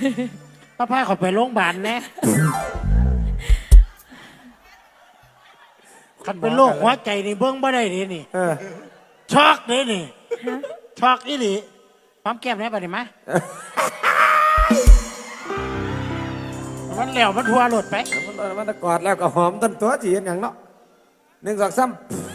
พาเขาไปโรงพยาบาลแน่คันเป็นโรคหัวใจนี่เบิ้งบ่ได้เลยนี่ช็อกเลยนี่ช็อกอีหลีพร้อมแก้มได้ปะนี่มะมันเหลวมันทัวหลุดไปมันตะกอดแล้วก็หอมต้นตัวจีนอย่างเนาะ1 2 3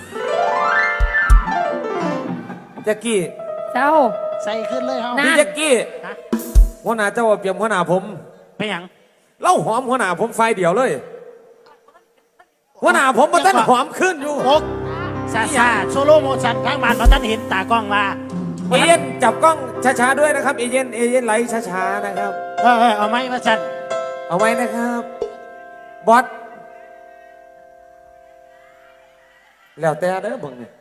แจ็กกี้เจ้าใส่ขึ้นเลยเฮาพี่แจ็กกี้หัวหน้าเจ้าเปรียบหัวหน้าผมไปยังเล่าหอมหัวหน้าผมไฟเดียวเลยหัวหน้าผมมันต้นหอมขึ้นอยู่โอ๊กซาโซโล่โมชั่นทั้งบ้านเราท่านเห็นตากล้องมาเอเย็นจับกล้องช้าๆด้วยนะครับเอเย็นไหลช้าๆนะครับเอาไหมมาสั่นเอาไว้นะครับบอสแล้วแต่เด้อเบิ่งนี่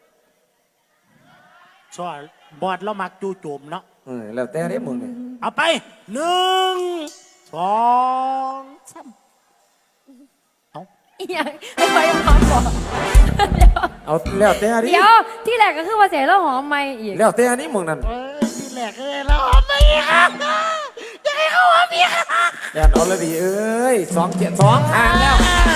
ช่วยบอดเรามักจูโจมเนาะแล้วแต่เด้อมึงนี่เอาไป1 2 3เอาอย่างไม่หอมบอกเอาแล้วแต่ดิเดี๋ยวที่แรกก็คือว่าเสียแล้วหอมไม่อีกแล้วแต่นี้มึงนั่นที่แรกเลยแล้วหอมไม่อีกครับจะให้เขาหอมอีกแอนออลดีเอ้ย2 ทางแล้ว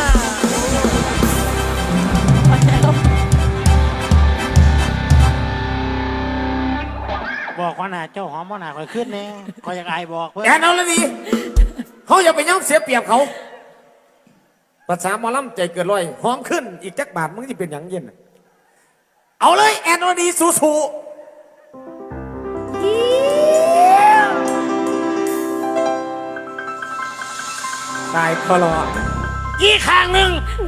บอกว่าน่ะเจ้าหอมว่าน่ะคอยขึ้นแน่คอยอยากอายบอกเพื่อนแอนออลดีเขาอย่าไปย่อมเสียเปรียบเขาภาษาหมอลำใจเกินร้อยหอมขึ้นอีกจักบาทมึงจะเป็นอย่างเย็นเอาเลยแอนออลดีสู้ตายคลออีกข้างหนึ่ง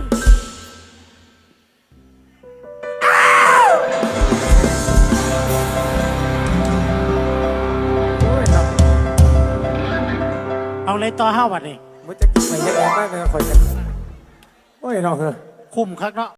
เอาเลยต่อห้าวันนี่มันจะกินไปเยอะแยะมากเลยคอยกันโอ้ยน้องเหรอคุ้มครับเนาะ